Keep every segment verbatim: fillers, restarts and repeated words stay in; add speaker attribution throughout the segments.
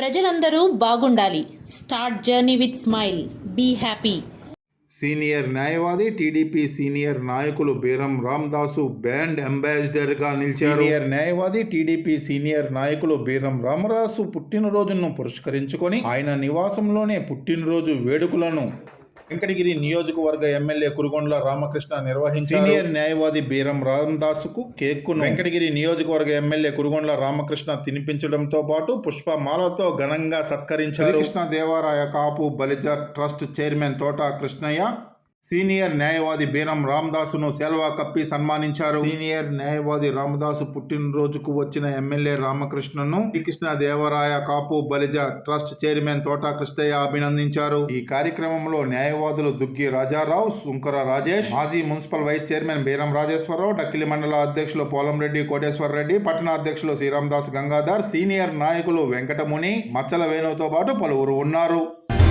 Speaker 1: ప్రజలందరూ బాగుండాలి. Start journey with smile. Be happy.
Speaker 2: Senior న్యాయవాది టీడీపీ సీనియర్ నాయకులు బీరం రామదాసు బ్రాండ్ అంబాసిడర్ గా నిలిచారు. సీనియర్ న్యాయవాది టీడీపీ సీనియర్ నాయకులు బీరం రామదాసు పుట్టినరోజును పురస్కరించుకొని ఆయన నివాసంలోనే పుట్టినరోజు వేడుకలను వెంకటగిరి నియోజకవర్గ ఎమ్మెల్యే కురుగొండ్ల రామకృష్ణ నిర్వహించారు. సీనియర్ న్యాయవాది బీరం రామదాసుకు కేక్కును వెంకటగిరి నియోజకవర్గ ఎమ్మెల్యే కురుగొండ్ల రామకృష్ణ తినిపించడంతో పాటు పుష్పమాలతో ఘనంగా సత్కరించారు. Krishna Devaraya Kapu Balija trust chairman Thota Krishnaiah senior న్యాయవాది బీరం రామదాసును సెల్వా కప్పి సన్మానించారు. సీనియర్ న్యాయవాది రామదాసు పుట్టినరోజుకు వచ్చిన ఎమ్మెల్యే రామకృష్ణను శ్రీకృష్ణ దేవరాయ కాపు బలిజ ట్రస్ట్ చైర్మన్ తోట కృష్ణయ్య అభినందించారు. ఈ కార్యక్రమంలో న్యాయవాదులు దుగ్గి రాజారావు, సుంకర రాజేష్, మాజీ municipal vice chairman Beeram Rajeswararao, Dakkili మండల అధ్యక్షులు పోలంరెడ్డి కోటేశ్వర రెడ్డి, పట్టణ అధ్యక్షులు శ్రీరామదాస్ గంగాధర్, సీనియర్ నాయకులు వెంకటముని, మచ్చల వేణుతో పాటు పలువురు ఉన్నారు.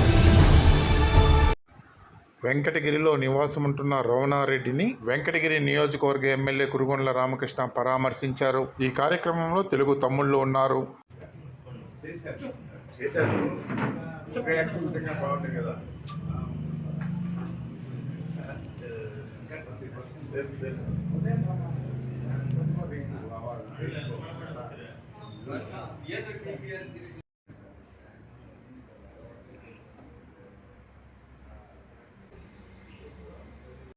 Speaker 2: వెంకటగిరిలో నివాసముంటున్న రవణారెడ్డిని వెంకటగిరి నియోజకవర్గ ఎమ్మెల్యే కురుగొండ్ల రామకృష్ణ పరామర్శించారు. ఈ కార్యక్రమంలో తెలుగు తమ్ముళ్ళు ఉన్నారు.